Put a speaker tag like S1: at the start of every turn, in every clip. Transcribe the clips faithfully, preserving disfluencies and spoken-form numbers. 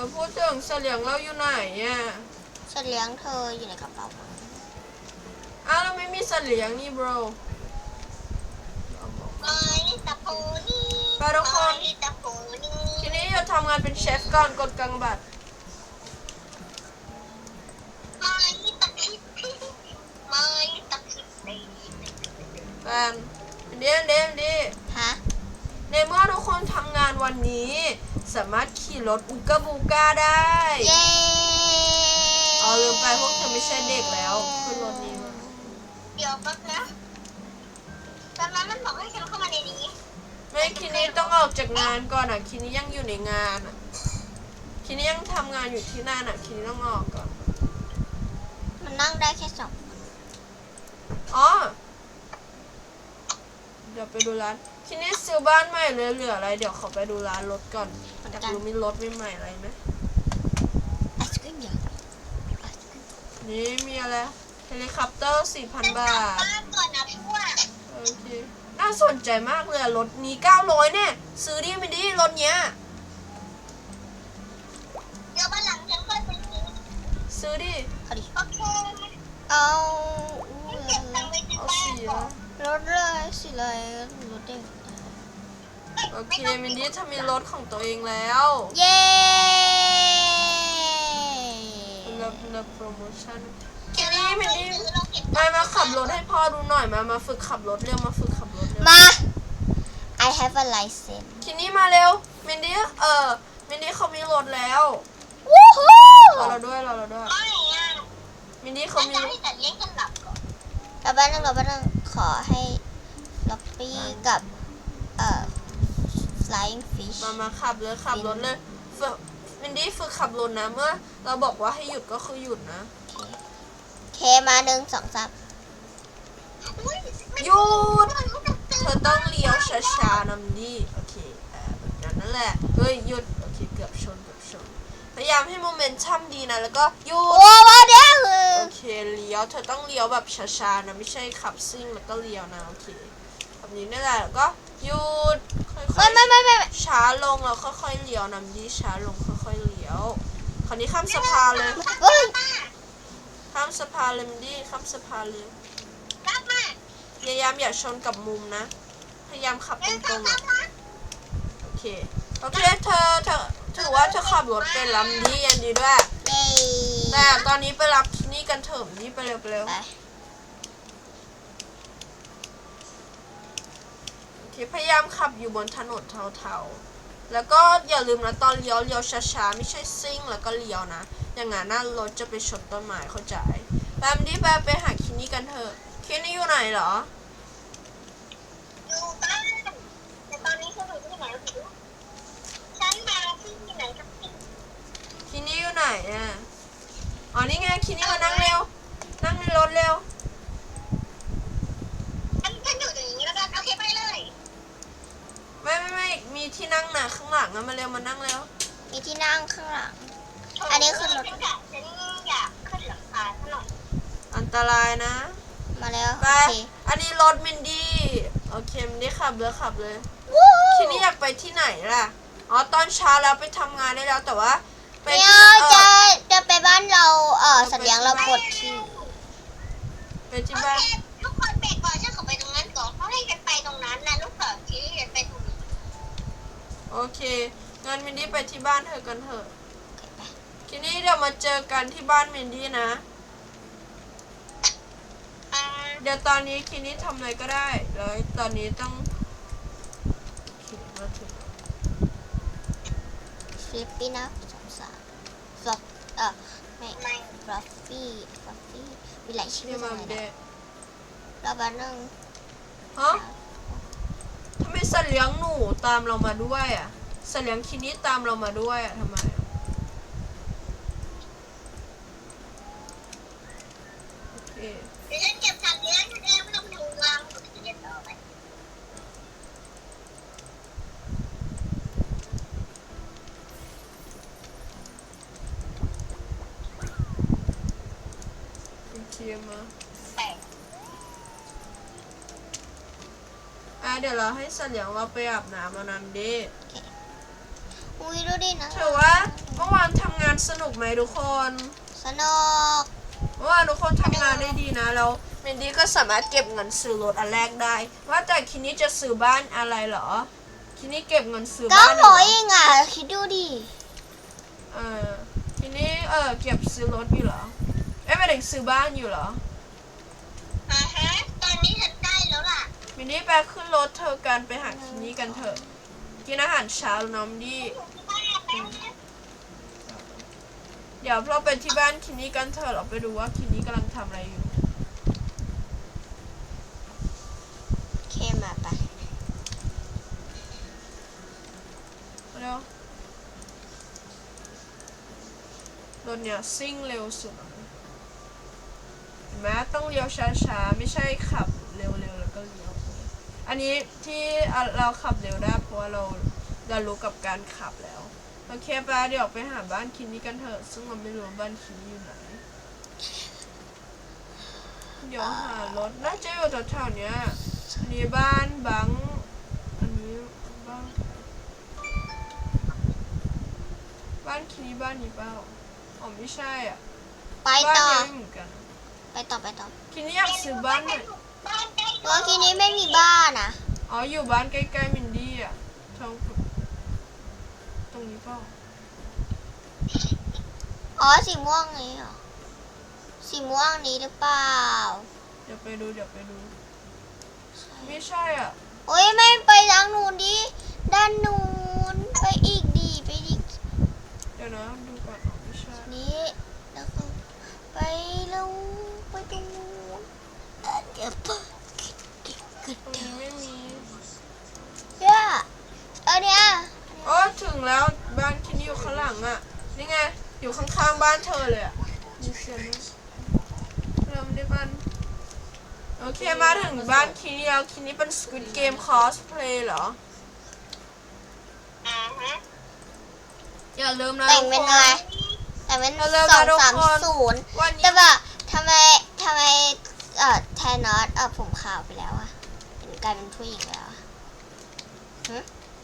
S1: อพูดถึงเสลียงเราอยู่ไหนอ่ะ
S2: เสลียงเธออยู่ในกระเป๋า
S1: อ้าวเราไม่มีเสลียงนี่ bro ไปทุกคนทีนี้จะทำงานเป็นเชฟก่อนกดกางบัตรแฟนเดี๋ยวเดี๋ยวเดี๋ยว
S2: ฮะ
S1: ในเมื่อทุกคนทำงานวันนี้สามารถขี่รถอุกาบูกาได้
S2: เย้
S1: เอาลืมไปพวกเธอไม่ใช่เด็กแล้วขึ้นรถนี้มา
S3: เดี๋ยวแป๊บนะตอนนั้นมันบอกให้ฉันเข้ามาในนี้
S1: ไม่คินี้ต้องออกจากงานก่อนอ่ะคินี้ยังอยู่ในงานอ่ะคินี้ยังทำงานอยู่ที่นั่นอ่ะคินี้ต้องออกก่อน
S2: มันนั่งได้แค่สอง
S1: อ๋อเดี๋ยวไปดูร้านคินี้ซื้อบ้านใหม่เลยเหลืออะไรเดี๋ยวขอไปดูร้านรถก่อนอยากรู้มีรถใหม่ๆอะไรไหมนี่มีอะไรเฮลิคอปเตอร์ สี่พัน บาท
S3: ก่อนนะพวก
S1: โอเคน่าสนใจมากเลยรถนี้เก้าร้อยเนี่ยซื้อดิไม่ดิรถเนี้ย
S3: เดี๋ยววันหลังฉันค่อยไปซื้อ
S1: ซื้อดิ
S2: เอาดิ
S3: โอเค
S2: เอา
S3: เก็บตังค์ไว้ที่บ้านก่อน
S2: รถเลยสิเลยรถเด็ก
S1: โอเคมินดี้ทำมีรถของตัวเองแล้ว
S2: เย้
S1: เลิฟเลิฟโปรโมชั่นทีนี้มินดี้มามาขับรถให้พ่อดูหน่อยมามาฝึกขับรถเร็วมาฝึกขับรถเร็ว
S2: มา I have a license
S1: ทีนี้มาเร็วมินดี้เออมินดี้เขามีรถแล้ว
S2: วู้ฮู้
S1: รอเราด้วยรอเราด้วยมินดี้เขามี
S2: เราบ้านนึงเราบ้านนึงขอให้ล็อบบี้กับเอ่อ flying fish
S1: มามาขับเลยขับรถเลยฝึกมินดี้ฝึกขับรถนะเมื่อเราบอกว่าให้หยุดก็คือหยุดนะ
S2: เคมาหนึ่งสองสาม
S1: หยุดเธอต้องเลี้ยวช้าๆนะมินดี้โอเคแบบนั้นนั่นแหละเฮ้ยหยุดโอเคเกือบชนเกือบชนพยายามให้โมเมนตัมดีนะแล้วก็หยุด
S2: โอ้โหเดี๋ยว
S1: โอเคเลี้ยวเธอต้องเลี้ยวแบบช้าๆนะไม่ใช่ขับซิ่งแล้วก็เลี้ยวนะโอเคแบบนี้นั่นแหละแล้วก็หยุดค่อยๆ
S2: ไม่ไม่ไม่
S1: ช้าลงแล้วค่อยๆเลี้ยวนำดีช้าลงค่อยๆเลี้ยวคราวนี้ข้ามสะพานเลยข้ามสะพานเลยมันดีข้ามสะพานเลยพยายามอย่าชนกับมุมนะพยายามขับตรงๆอ่ะโอเคโอเคเธอเธอถือว่าเธอขับรถเป็นลำดียันดีด้วยแต่ตอนนี้ไปรับที่นี่กันเถอะนี่ไปเร็วไปเร็วพยายามขับอยู่บนถนนเทาๆแล้วก็อย่าลืมนะตอนเลี้ยวเลี้ยวช้าๆไม่ใช่ซิ่งแล้วก็เลี้ยวนะอย่างงั้นน่ารถจะไปชนต้นไม้เข้าใจแบมดี้แบมไปหาคินนี่กันเถอะคินนี่อยู่ไหนเหรอ
S3: อยู่บ้านแต่ตอนนี้ฉันอยู่ที่ไหนไม่รู้ฉันมาที่ไหนกับพี่
S1: คินนี่อยู่ไหนอ่ะอ๋อนี่ไงคินนี่มานั่งเร็วนั่งในรถเร็ว
S3: ฉันฉันอยู่ตรงนี้แล้วกันโอเคไปเลย
S1: ไม่ไม่ไม่มีที่นั่งน่ะข้างหลังอะมาเร็วมานั่งเร็ว
S2: มีที่นั่งข้างหลังอันนี้คือรถ
S3: ฉันอยากฉันอยากขึ้นหลังคาหน่อย
S1: อันตรายนะ
S2: มาแล้ว
S1: ไปอันนี้รถมินดี้โอเคมินดี้ขับเลยขับเลยทีนี้อยากไปที่ไหนล่ะอ๋อตอนเช้าแล้วไปทำงานได้แล้วแต่ว่า
S2: ไปที่จะจะไปบ้านเราเออสัญญาเราปวดที่
S1: ไปที่บ้าน
S3: ทุกคนเบรกก่อนฉันขอไปตรงนั้นก่อนเพราะให้ฉันไปตรงนั้นนะลูกเขยที่ฉันไปตรงนี้
S1: โอเคงั้นมินดี้ไปที่บ้านเธอกันเถอะทีนี้เดี๋ยวมาเจอกันที่บ้านมินดี้นะเดี๋ยวตอนนี้คินี่ทำอะไรก็ได้แล้วตอนนี้ต้องมาถึง
S2: ฟลิปปี้นะสองสามฟลอปเออไม่ฟลอปปี้ฟลอปปี้มีหลายชื่อมากเลยเราบ้านนึง
S1: ฮะทำไมสัตว์เลี้ยงหนูตามเรามาด้วยอ่ะสัตว์เลี้ยงคินี่ตามเรามาด้วยอ่ะทำไมโอเค
S3: เดี๋ยวฉันเก็บสัตว์เลี้ยงฉันเองไม่ต้องห่วงเก็บต่อไป
S1: โอเคมาอ่ะเดี๋ยวเราให้สัตว์เลี้ยงเราไปอาบน้ำแล้วนั่นดิ
S2: อุ้ยดูดินะ
S1: ถือว่าโมื่อวานทำงานสนุกไหมทุกคน
S2: สนุก
S1: เมื่อวานทุกคนทำงานได้ดีนะแล้วเมนดี้ก็สามารถเก็บเงินซื้อรถอันแรกได้ว่าแต่คินนี่จะซื้อบ้านอะไรเหรอคินนี่เก็บเงินซื้อ
S2: ก็
S1: บ้าน
S2: หนูเองอ่ะคิดดูดิ
S1: เออคินนี่เออเก็บซื้อรถอยู่เหรอเอ้ยไม่ได้ซื้อบ้านอยู่เหรอ
S3: อ่าฮะตอนนี้ฉันใกล้แล้วล่ะ
S1: มินนี่ไปขึ้นรถเธอกันไปหาคินนี่กันเถอะกินอาหารเช้าแล้วน้องดีเดี๋ยวเราไปที่บ้านคินนี่กันเถอะเราไปดูว่าคินนี่กำลังทำอะไรอยู่
S2: เคมาไป
S1: เร็วรถเนี่ยซิ่งเร็วสุดเห็นไหมต้องเลี้ยวช้าๆไม่ใช่ขับเร็วๆแล้วก็เลี้ยวอันนี้ที่เราขับเร็วได้เพราะว่าเราเรารู้กับการขับแล้วโอเคไปเดี๋ยวไปหาบ้านคินนี่กันเถอะซึ่งเราไม่รู้ว่าบ้านคินนี่อยู่ไหนเดี๋ยวหารถน่าจะอยู่แถวๆเนี้ยอันนี้บ้านบังอันนี้บ้านบ้านคินนี่บ้านนี้เปล่าอ๋อไม่ใช่อ่ะ
S2: ไป
S1: บ้าน
S2: ต่อ
S1: นี้ไม่เหมือนกัน
S2: ไปต่อไปต่อ
S1: คินนี่อยากซื้อบ้านใหม่
S3: บ้านใกล้
S2: เมื่อกี้นี้ไม่มีบ้านอ่ะ
S1: อ๋ออยู่บ้านใกล้ๆมินดี้อ่ะตรงตรงนี้เปล่า
S2: อ๋อสีม่วงนี้เหรอสีม่วงนี้หรือเปล่า
S1: เดี๋ยวไปดูเดี๋ยวไปดูไม่ใช่อ่ะ
S2: โอ้ยไม่ไปทางนู้นดิด้านนู้นไปอีกดีไปอีก
S1: เดี๋ยวนะดูก่อนอ๋อไม่ใช่
S2: นี้แล้วก็ไปแล้วไปตรงนู้นเอ่อเดี๋ยวปะ
S1: ตรงนี้ไม่มี
S2: เนี่ยเออเนี่ย
S1: โอ้ถึงแล้วบ้านคินนี่อยู่ข้างหลังอ่ะนี่ไงอยู่ข้างๆบ้านเธอเลยอ่ะมีเสียงด้วยเริ่มได้บ้านโอเคมาถึงบ้านคินนี่แล้วคินนี่เป็น Squid Game cosplay เหรอ
S3: อ่าฮะ
S1: อย่าลืมนะ
S2: แต่ง
S1: ทุก
S2: เป็น
S1: ค
S2: อะไร
S1: น
S2: แต่เป็น
S1: เอาเร็ว
S2: สอง
S1: มาทุก
S2: สาม
S1: คน
S2: ศูนย์
S1: วันนี้
S2: แต่ว่าทำไมทำไมเอ่อแทนนอตเอ่อผมขาวไปแล้วอะเป็นกลายเป็นผู้หญิงแล้วอะหึ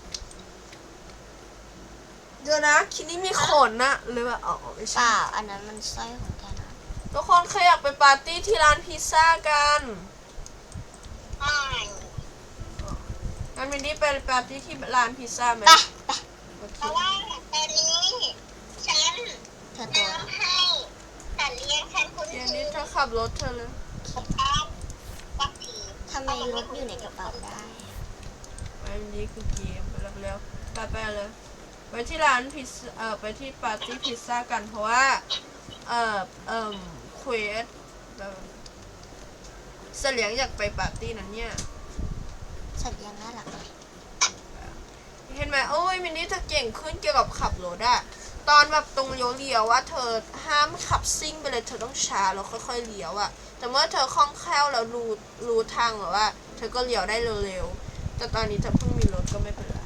S1: เดี๋ยวนะคินนี่มีขนนะหรือว่าอ๋อไม่
S2: เป
S1: ใช่
S2: ล่าอันนั้นมันสร้อยของแทนนอต
S1: ทุกคนเคยอยากไปปาร์ตี้ที่ร้านพิซซ่ากัน
S3: ไม่
S1: งั้นมินดี้ไปปาร์ตี้ที่ร้านพิซซ่าไหม
S2: ไปไป
S1: โอเค
S3: เพราะว่าตอนนี้ฉัน
S2: เธอตัว
S3: ทำให้แต่เลี้ยงฉันคุ้น
S1: เดี๋ยว
S3: เค
S1: นี้
S3: ย
S1: เธอขับรถเธอเลย
S3: กับการกับผี
S2: ทำไมรถอยู่ในกระเป๋าได้
S1: ไปมินดี้คือเกมไปแล้วไปไปเลยไปที่ร้านพิซซ่าเอ่อไปที่ปาร์ตี้พิซซ่ากันเพราะว่าเอ่อเอ่มเควสแบบเสลียงอยากไปปาร์ตี้นั้นเนี่ย
S2: สัตว์ยังน่ารักเลย
S1: เห็นไหมโอ้ยมินนี่เธอเก่งขึ้นเกี่ยวกับขับรถอะตอนแบบตรงเลี้ยวๆว่าเธอห้ามขับซิ่งไปเลยเธอต้องช้าแล้วค่อยๆเลี้ยวอะแต่เมื่อเธอคล่องแคล่วแล้วรู้รู้ทางหรือว่า เธอก็เลี้ยวได้เร็วๆแต่ตอนนี้เธอเพิ่งมีรถก็ไม่เป็นไร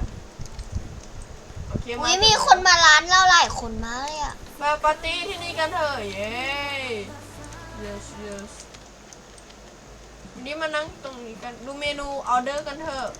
S1: โอเค
S2: อุ้ยมีคนมาร้านเราหลายคนมากเลยอะ
S1: มาปาร์ตี้ที่นี่กันเถอะเย้ yes yes วันนี้มานั่งตรงนี้กันดูเมนูออเดอร์กันเถอะ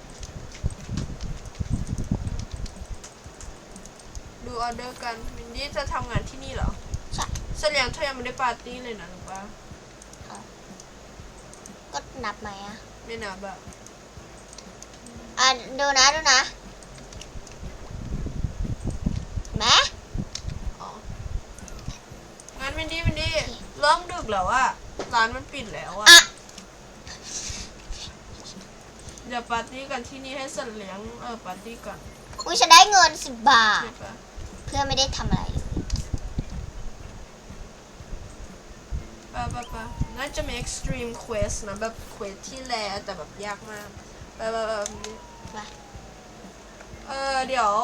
S1: ดูออเดอร์กันมินดี้จะทำงานที่นี่เหรอ
S2: ใช่
S1: เสลียงเธอยังไม่ได้ปาร์ตี้เลยนะหรือว่า
S2: ก็นับไหมอะ
S1: ไม่นับอะ
S2: อ่ะดูนะดูนะแม่
S1: อ๋องั้นมินดี้มินดี้เริ่มดึกแล้วอะร้านมันปิดแล้วอะ
S2: อะ
S1: เดี๋ยวปาร์ตี้กันที่นี่ให้เสลียงเออปาร์ตี้ก่อน
S2: อุ้ยฉันได้เงินสิบบาท
S1: ใช่ปะ
S2: เพื่อไม่ได้ทำอะไรเลย
S1: ปะปะปะน่าจะมี extreme quest นะแบบ quest ที่แลแต่แบบยากมากไปไปไปมินดี้
S2: มา
S1: เออเดี๋ยว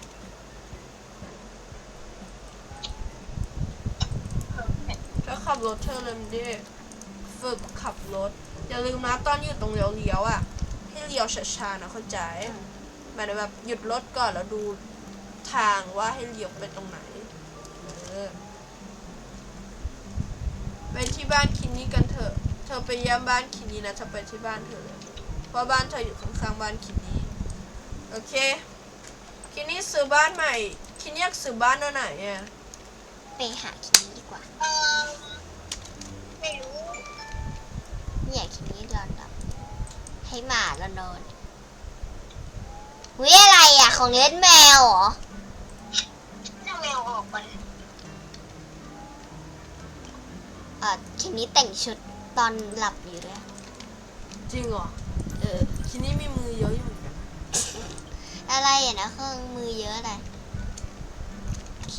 S1: เธอขับรถเธอเลยมินดี้ฝึกขับรถอย่าลืมนะตอนอยู่ตรงเลี้ยวๆอ่ะให้เลี้ยวช้าๆนะเข้าใจหมายถึงแบบหยุดรถก่อนแล้วดูทางว่าให้เลี้ยวไปตรงไหนเออไปที่บ้านคินนี่กันเถอะเธอไปเยี่ยมบ้านคินนี่นะเธอไปที่บ้านเธอเลยเพราะบ้านเธออยู่ข้างๆบ้านคินนี่โอเคคินนี่ซื้อบ้านใหม่ทคิดอยากซื้อบ้านตัวไหนอ่ะ
S2: ไปหาคินี้ดีกว่า
S3: เออไม่รู้
S2: เนี่ยคินี้นอนดับให้หมาเรานอนวิอะไรอ่ะของเล่นแมวเหรอ
S3: จะแมวออกก่อน
S2: เออคินี้แต่งชุดตอนหลับอยู่ด้วย
S1: จริงเหรอ
S2: เออ
S1: คิดนี่มีมือเยอะอยู่เหมือนกัน
S2: อะไรอ่ะนะเครื่องมือเยอะอะไรโอเค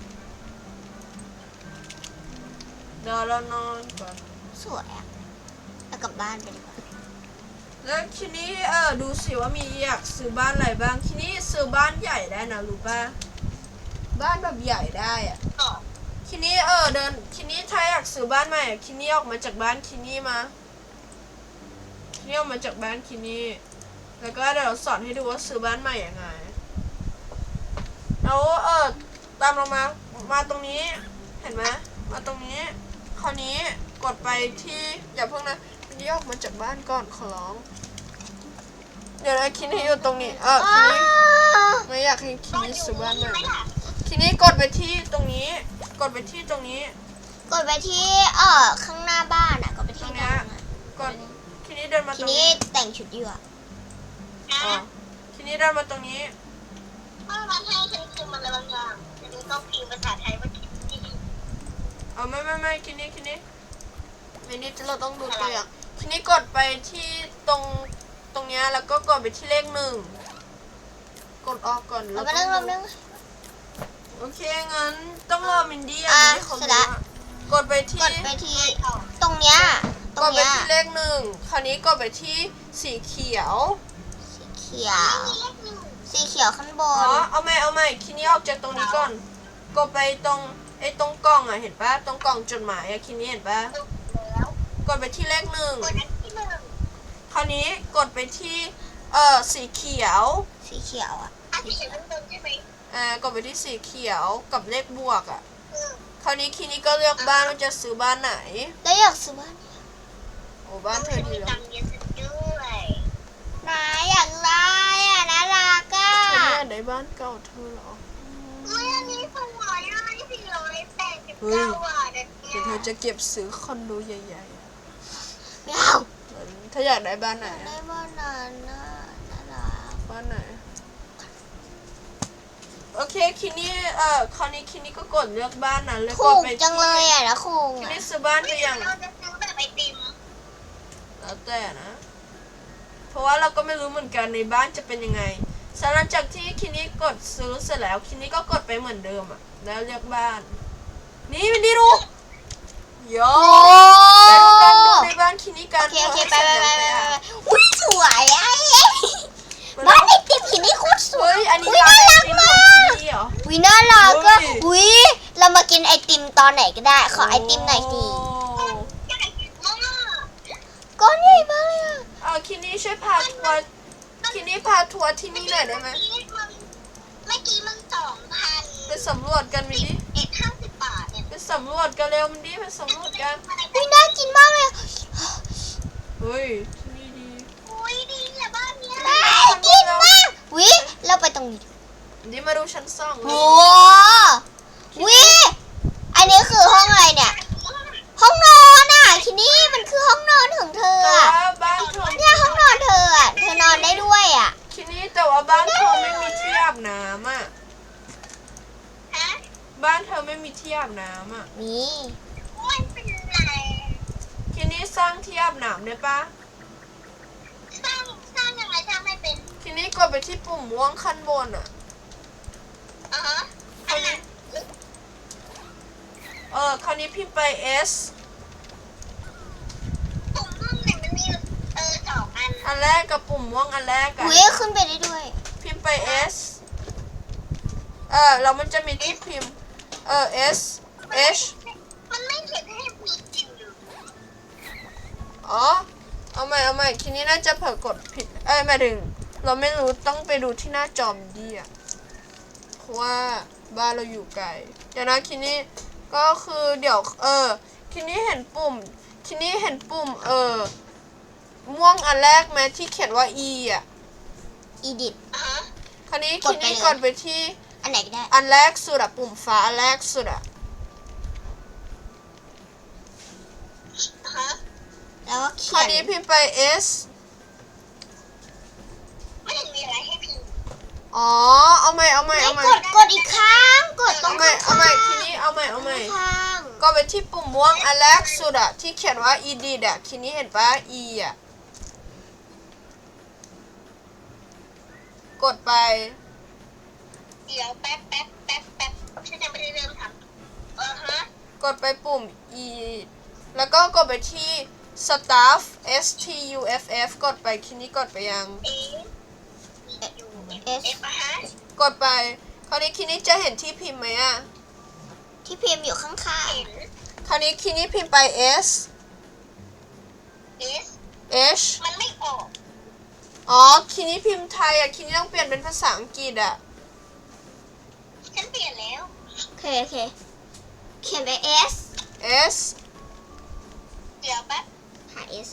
S1: เดี๋ยวเรานอนก่อน
S2: สวยอ่ะแล้วกลับบ้านไปดีกว่า
S1: แล้วคิดนี่เออดูสิว่ามีอยากซื้อบ้านอะไรบ้างคิดนี่ซื้อบ้านใหญ่ได้นะรู้ป่ะบ้านแบบใหญ่ได้อ่ะ
S3: ต่อ
S1: คินี่เออเดินคินี่ถ้าอยากซื้อบ้านใหม่อะคินี่ออกมาจากบ้านคินี่มาคินี่ออกมาจากบ้านคินี่แล้วก็เดี๋ยวเราสอนให้ดูว่าซื้อบ้านใหม่ยังไงแล้วเออตามเรามามาตรงนี้เห็นไหมมาตรงนี้คราวนี้กดไปที่อย่าเพิ่งนะคินี่ออกมาจากบ้านก่อนขอร้องเดี๋ยวนะคินี่อยู่ตรงนี้เออคินี่ไม่อยากให้คินี่ซื้อบ้านใหม่นะคินี่กดไปที่ตรงนี้กดไปที่ตรงนี้
S2: กดไปที่เออข้างหน้าบ้านอ่ะกดไปที่
S1: ตรง
S2: ต
S1: เนี้
S2: รง
S1: ย
S2: นั้นอะ
S1: กดทีนี้เดินมาต
S2: ที
S1: รง
S2: นี้
S1: นี้
S2: แต่งชุดอยู่อ่ะ
S1: อ๋อทีนี้เดินมาตรงนี้
S3: เมื่อวันให้ฉันพิมพ์อะไรบางอย่างจะดูต้องพิมพ์ภาษาไทยว่าคิดที่
S1: เอาไม่ไม่ไม่ทีนี้ทีนี้เมนี้เราต้องดูตัวอย่างทีนี้กดไปที่ตรงตรงเนี้ยแล้วก็กดไปที่เลขหนึ่งกดออกก่อน
S2: เรา
S1: แล้ว
S2: มา
S1: ต้
S2: เรื่
S1: อ
S2: อง
S1: ง
S2: เราเรื่อง
S1: โอเคงั้นต้องรอมินดี้อ่ะ
S2: อ่ะ
S1: มินดี้เขา
S2: เสร็จ
S1: รู้
S2: ละ
S1: อะกดไปที่
S2: กดไปที่
S3: ไม่ออก
S2: ตรงเนี้ยตร
S1: ก
S2: ง
S1: ดไป
S2: เนี้ย
S1: ที่เลขหนึ่งคราวนี้กดไปที่สีเขียว
S2: สีเขียว
S3: มีเลขหนึ่ง
S2: สีเขียวข้างบ
S1: อ๋อน เอาใหม่เอาใหม่ทีนี้ออกจากตรงนี้ก่อนกดไปตรงไอ้ตรงกล่องอ่ะเห็นปะตรงกล่องจดหมายอ่ะทีนี้เห็นปะ
S3: แล้ว
S1: กดไปที่เลขหนึ่ง
S3: กดอันที่หนึ่ง
S1: คราวนี้กดไปที่เอ่อสีเขียว
S2: สีเขียวอ่ะ
S3: อันที่เห็นข้างบนใช่ไหม
S1: อ่ากดไปที่สีเขียวกับเลขบวกอ่ะ
S3: อืม
S1: คราวนี้คีนี้ก็เลือกบ้านว่าจะซื้อบ้านไหน
S2: แล้วอยากซื้อบ้าน
S1: โอ้บ้านเธอดี
S3: มี
S1: แล้
S3: ตั
S1: ว
S3: งค์เยอะสุดด้วย
S2: นายอยากได้อ่ะน่ารักอ่ะ
S1: เธอไม่อยากได้บ้านเก่าเธอเหรอ
S3: อุ้ยอันนี้สวยอ่ะนี่สี่ร้อยแปดสิบเก้าบาทเนี่ย
S1: เดี๋ยวเธอจะเก็บซื้อคอนโดใหญ่ๆอะ
S2: ไม่เอา
S1: เหมือนเธออยากได้บ้านไหน
S2: ได้
S1: อะ
S2: บ้านนั้นน่ะน่ารัก
S1: บ้านไหนโอเคคีนี้เอ่อคราวนี้คีนี้ก็กดเลือกบ้านนั้นแล้ว
S2: ถู
S1: กด
S2: ก
S1: ไป
S2: จังเลย
S1: ที่
S2: อ่ะนะครู
S1: คี
S2: อ่ะ
S1: นี้ซื้อบ้านไป
S3: เฮ้ย
S1: ยัง
S3: เราจะซื้อแบบไอติม
S1: แล้วแต่นะ เพราะว่าเราก็ไม่รู้เหมือนกันในบ้านจะเป็นยังไงหลังจากที่คินี้กดซื้อเสร็จแล้วคินี้ก็กดไปเหมือนเดิมอ่ะแล้วเลือกบ้าน นี่วินดีดูโย
S2: โอ้
S1: ไปดูกันดูในบ้านคินี้กั
S2: โอน เคโอเคไป
S1: ว่า
S2: ไป
S1: ให้
S2: ไป
S1: เสร็จ
S2: ไป
S1: ยัง
S2: ไป
S1: งอะ
S2: อุ้ยสวยอ่ะบ้านไอติมหินนี่โคตรสว
S1: เฮ้
S2: ย
S1: ยอันนี้
S2: อุ้ย
S1: ร้าน
S2: น่า
S1: ไอ
S2: รัก
S1: ติม
S2: มา
S1: ของ
S2: ก
S1: คินี้เหรอ
S2: วิน่ารักก็
S1: เฮ้ย
S2: อุ้ยเรามากินไอติมตอนไหนก็ได้ ขอไอติมหน่อยสิ
S1: โอ้
S3: ใหญ่มาก
S2: ก้อนใหญ่มากเลยอ่ะ
S1: เอาคินี้ช่วยพาทัวร์คินี้พาทัวร์ที่นี่หน่อยได้ไหม
S3: เมื่อกี้มันเมื่อกี้มันสองพัน
S1: ไปสำรวจกันมินดิ
S3: เอ็ดห้าสิบบาทเนี่ย
S1: ไปสำรวจกันเร็วมินดิไปสำรวจกัน
S2: อุ้ยน่ากินมากเลยอะ
S1: เฮ้ยที่นี่ดี
S3: อุ้ยดีอะบ้านเนี้ย
S2: น่ากินมากวิเราไปตรงนี้
S1: นี่มาดูชั้นสองเล
S2: โอ้
S1: ย
S2: วิอันนี้คือห้องอะไรเนี่ย ห้องนอนอ่ะทีนี้มันคือห้องนอนของเธอ
S1: แต่
S2: อ่ะ
S1: ว่าบ้านเธอ
S2: เนี่ยห้องนอนเธออ่ะ เธอนอนได้ด้วยอ่ะ
S1: ทีนี้แต่ว่าบ้านเธอไม่มีที่อาบน้ำอ่ะ
S3: ฮะ
S1: บ้านเธอไม่มีที่อาบน้ำอ่ะ
S2: นี่
S3: ไม่เป็นไร
S1: ทีนี้สร้างที่อาบน้ำได้ปะ
S3: สร้างสร้างยังไงสร้างไม่เป็น
S1: ทีนี้กดไปที่ปุ่มม่วงขั้นบนอ่ะ
S3: อ่ะฮะ
S1: คราวนี้เออคราวนี้พิมพ์ไป S
S3: ปุ่มห้องเนี่ยมันมีเออสองอัน
S1: อันแรกกับปุ่มม่วงอันแรกอะ
S2: อุ้ยขึ้นไปได้ด้วย
S1: พิมพ์ไป S เออแล้วมันจะมีที่พิมพ์เออ S H
S3: มันไม่เขียนให้มีจริงอยู่
S1: อ๋อเอาใหม่เอาใหม่ทีนี้น่าจะเผลอกดผิดเอ้ยหมายถึงเราไม่รู้ต้องไปดูที่หน้าจอมดีอะเพราะว่าบ้านเราอยู่ไกลเดี๋ยวนะทีนี้ก็คือเดี๋ยวเออทีนี้เห็นปุ่มทีนี้เห็นปุ่มเออม่วงอันแรกไหมที่เขียนว่า E อ่ะ
S2: อีดิท
S3: อ่ะฮะ
S1: คราวนี้
S2: ก
S1: ที
S2: ดไป
S1: นี้
S2: เลย
S1: กดไปที่
S2: อันไหนก็ได้
S1: อันแรกสุดอะปุ่มฟ้าอันแรกสุดอะ
S3: ฮะ
S2: แล้วก็
S1: ค
S2: เขี
S1: ราย วน นี้พิมพ์ไป S
S3: ไม่เห็นมีอะไรให้พิมพ์
S1: อ๋อ เอาใหม่ เอาใหม่
S2: ไม่
S1: เอาใหม่
S2: กดกดอีกครั้งกดตร
S1: เอา
S2: ง
S1: ใหม่
S2: ข้าง
S1: เอาใหม่ ทีนี้เอาใหม่ เอาใหม่
S2: ข้าง
S1: ก็ไปที่ปุ่มม่วงอันแรกสุดอะที่เขียนว่า edit อะทีนี้เห็นปะ e อะกดไป
S3: เดี๋ยวแป๊บแป๊บแป๊บแป๊บฉันยังไม่ได้เริ่มทำเออฮะ
S1: กดไปปุ่ม e แล้วก็กดไปที่ staff s t u f f กดไปทีนี้กดไปยัง
S3: เอยูเอฟอะฮะ
S1: กดไปคราวนี้คินี้จะเห็นที่พิมพ์ไหมอะ
S2: ที่พิมพ์อยู่ข้าง
S3: เห็น
S1: คราวนี้คินี้พิมพ์ไป s
S3: เอส
S1: h
S3: มันไม่ออก
S1: อ๋อคินี้พิมพ์ไทยอะคินี้ต้องเปลี่ยนเป็นภาษาอังกฤษอะ
S3: ฉันเปลี่ยนแล้ว
S2: ๆโอเคโอเคเขียนไป S
S1: s
S3: เดี๋ยวแป๊บ
S2: หา S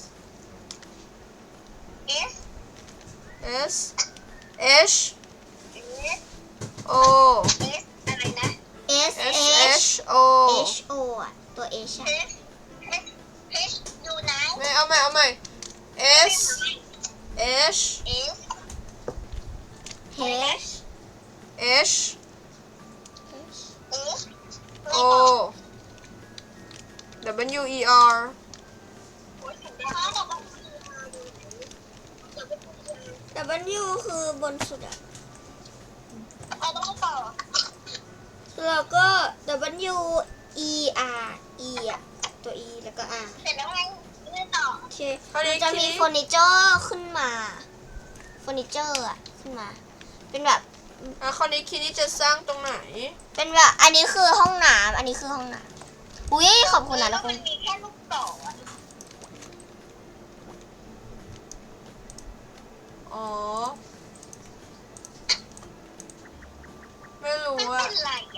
S3: S
S1: s h
S3: S
S1: o
S3: S อะไรนะ
S2: S
S1: s
S2: H
S1: h o
S2: H O อ่ะตัว H อ่ะ
S3: H H H อยู่ไหน
S1: ไม่เอาใหม่เอาใหม่ s h
S3: S
S2: H
S1: h
S2: H
S3: S
S1: o w e r
S2: ว คือบนสุดอ่ะ
S3: เอาต้องต่อ
S2: แล้วก็ W E R E อ่ะตัว E แล้วก็ R
S3: เสร็จแล้วไงเลื่อนต่อ
S2: โอเค
S1: คราวนี้
S2: มันจะมี
S1: ทีนี้
S2: เฟอร์นิเจอร์ขึ้นมาเฟอร์นิเจอร์อ่ะขึ้นมา เป็นแบบ
S1: อ่ะคราวนี้คินี้จะสร้างตรงไหน
S2: เป็นแบบอันนี้คือห้องน้ำอันนี้คือห้องน้ำอุ้ยขอบคุณนะ
S3: แล้
S2: ทุ
S3: ว
S2: กค
S3: มัน นมีแค่ลูกต่ออะ
S1: อ๋อ ไม่รู้
S3: ไม่
S1: อะ
S3: เป็นไร